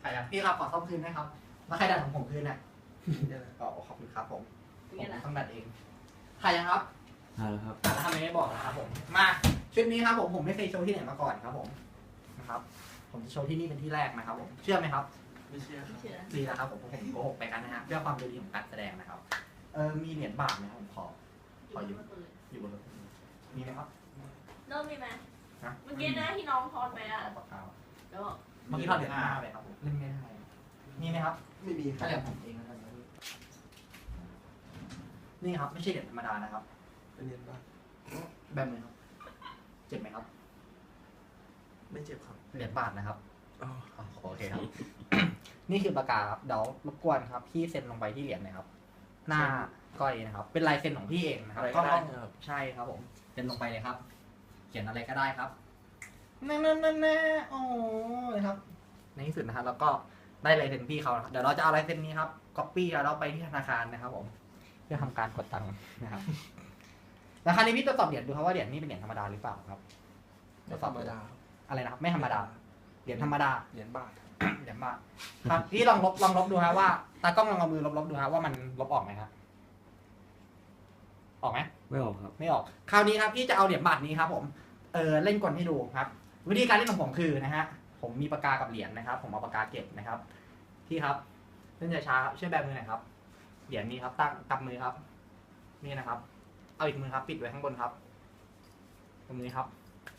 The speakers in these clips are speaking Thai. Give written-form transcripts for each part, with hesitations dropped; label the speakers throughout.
Speaker 1: รอ่ะพี่ครับขอซ่อมคืนนะครับแล้วใครดัดของผมคืนเนี่ยอ๋อขอบคุณครับผมต้องดัดเองใครยังครับ
Speaker 2: ครับ
Speaker 1: แล้วทำไมไม่บอกนะครับผมมาชุดนี้ครับผมไม่เคยโชว์ที่ไหนมาก่อนครับผมนะครับผมจะโชว์ที่นี่เป็นที่แรกนะครับผมเชื่อไหมครับ
Speaker 2: ไม่เชื่อครับ
Speaker 1: ดีแล้วครับผมโกหกไปกันนะฮะเพื่อความดูดีของการแสดงนะครับมีเหรียญบาทไหมครับผมขออยู่บนรถมีไหมครับ
Speaker 3: เริ่มมีไหม
Speaker 1: ฮะ
Speaker 3: เมื่อกี้นะที่น้องทอนไปอ่ะ
Speaker 1: ปากกา
Speaker 3: แล้ว
Speaker 1: เมื่อกี้ทอดเหรียญ5ไปครับผมเล่นไม่ได้มีไหมครับ
Speaker 2: ไม่มีค
Speaker 1: ถ้า
Speaker 2: รับ
Speaker 1: เหรียญผมเองนะครับนี่ครับไม่ใช่เหรียญธรรมดานะครับ
Speaker 2: เป็นเรียนบ้าง
Speaker 1: แบบมือครับเจ็บไหมครับ
Speaker 2: ไม่เจ็บครับ
Speaker 1: เหรียญบาทนะครับ
Speaker 2: อ๋อ
Speaker 1: อ๋อโอเคครับ นี่คือปากกาครับเดี๋ยวรบกวนครับพี่เซ็นลงไปที่เหรียญหนะครับ หน้าก้อยนะครับ เป็นลายเซ็นของพี่เองนะครับ
Speaker 2: อะไรก็ได้ครับ
Speaker 1: ใช่ครับผมเซ็นลงไปเลยครับ เขียนอะไรก็ได้ครับแน่โอ้ยครับ ในที่สุดนะครับแล้วก็ได้ลายเซ็นพี่เขานะครับเดี๋ยวเราจะเอาลายเซ็นนี้ครับก๊อปปี้แล้วเราไปที่ธนาคารนะครับ ผมเพื่อทำการกดตังค์นะครับแล้วคราวนี้พี่ตรวจสอบเหรียญดูครับว่าเหรียญนี้เป็นเหรียญธรรมดาหรือเปล่าครับ
Speaker 2: ไม่ธรรมดา
Speaker 1: อะไรนะครับไม่ธรรมดาเหรียญธรรมดา
Speaker 2: เหรียญบาท
Speaker 1: เหรียญบาทครับพี่ลองลบดูฮะว่าตากล้องลองเอามือลบดูฮะว่ามันลบออกไหมครับออกไหม
Speaker 2: ไม่ออกครับ
Speaker 1: ไม่ออกคราวนี้ครับพี่จะเอาเหรียญบาทนี้ครับผมเล่นกลให้ดูครับ วิธีการเล่นของผมคือนะฮะผมมีปากกากับเหรียญนะครับ ผมเอาปากกาเก็บนะครับพี่ครับเล่นช้าๆครับช่วยแบมือหน่อยครับเหรียญนี้ครับตั้งกำมือครับนี่นะครับ เอาอีกมือครับ ปิดไว้ข้างบนครับตรงนี้ครับ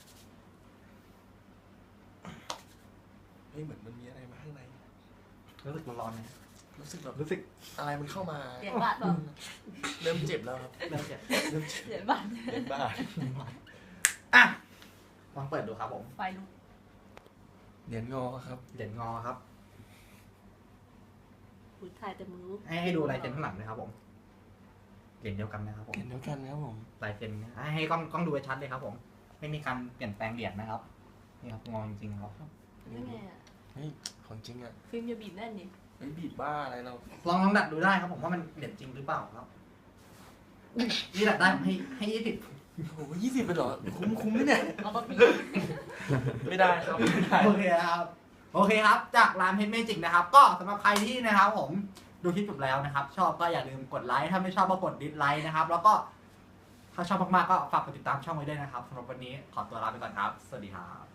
Speaker 2: เฮ้ยเหมือนมันมีอะไรมาข้างใน
Speaker 1: รู้สึกร้อนๆนะ
Speaker 2: รู้สึกแบบ
Speaker 1: รู้สึก
Speaker 2: อะไรมันเข้ามา
Speaker 3: เหรียญบาทเปล่า
Speaker 2: เริ่มเจ็บแล้วครับ
Speaker 1: เริ่มเจ็บ
Speaker 2: เริ่มเจ็บ
Speaker 3: เหรียญบาท
Speaker 2: เหรียญบาท
Speaker 1: อ่ะลองเปิดดูครับผม
Speaker 3: ไฟลุก
Speaker 2: เหรียญงอครับ
Speaker 1: เหรียญงอครับ
Speaker 3: อุ้ยถ่ายแต่มือ
Speaker 1: ให้ดูลายเซ็นข้างหลังเลยครับผมเหรียญเดียวกันนะครับผม
Speaker 2: เหรียญเดียวกันครับผม
Speaker 1: ลายเซ็นให้กล้องดูชัดเลยครับผม ไม่มีการเปลี่ยนแปลงเหรียญนะครับนี่ครับงอจริงๆครับ
Speaker 3: ยังไงอ่ะ
Speaker 2: เฮ้ยของจริงอ่ะ
Speaker 3: ฟิล์มอย่าบีบแน่นดิ
Speaker 2: เฮ้ยบีบบ้าอะไรเรา
Speaker 1: ลองดัดดูได้ครับผมว่ามันเหรียญจริงหรือเปล่าครับนี่ดัดได้ผมให้20
Speaker 2: โอ้โห20ไปเหรอคุ้มไหมเนี่ย
Speaker 3: เอามาบีบ
Speaker 2: ไม่ได้ครับไม่ได้
Speaker 1: โอเคครับโอเคครับ จากร้านเพชรเมจิกนะครับ ก็สำหรับใครที่นะครับ ผมดูคลิปจบแล้วนะครับ ชอบก็อย่าลืมกดไลค์ถ้าไม่ชอบก็กดดิสไลค์นะครับ แล้วก็ถ้าชอบมากๆก็ฝากกดติดตามช่องไว้ด้วยนะครับสำหรับวันนี้ขอตัวลาไปก่อนครับ สวัสดีครับ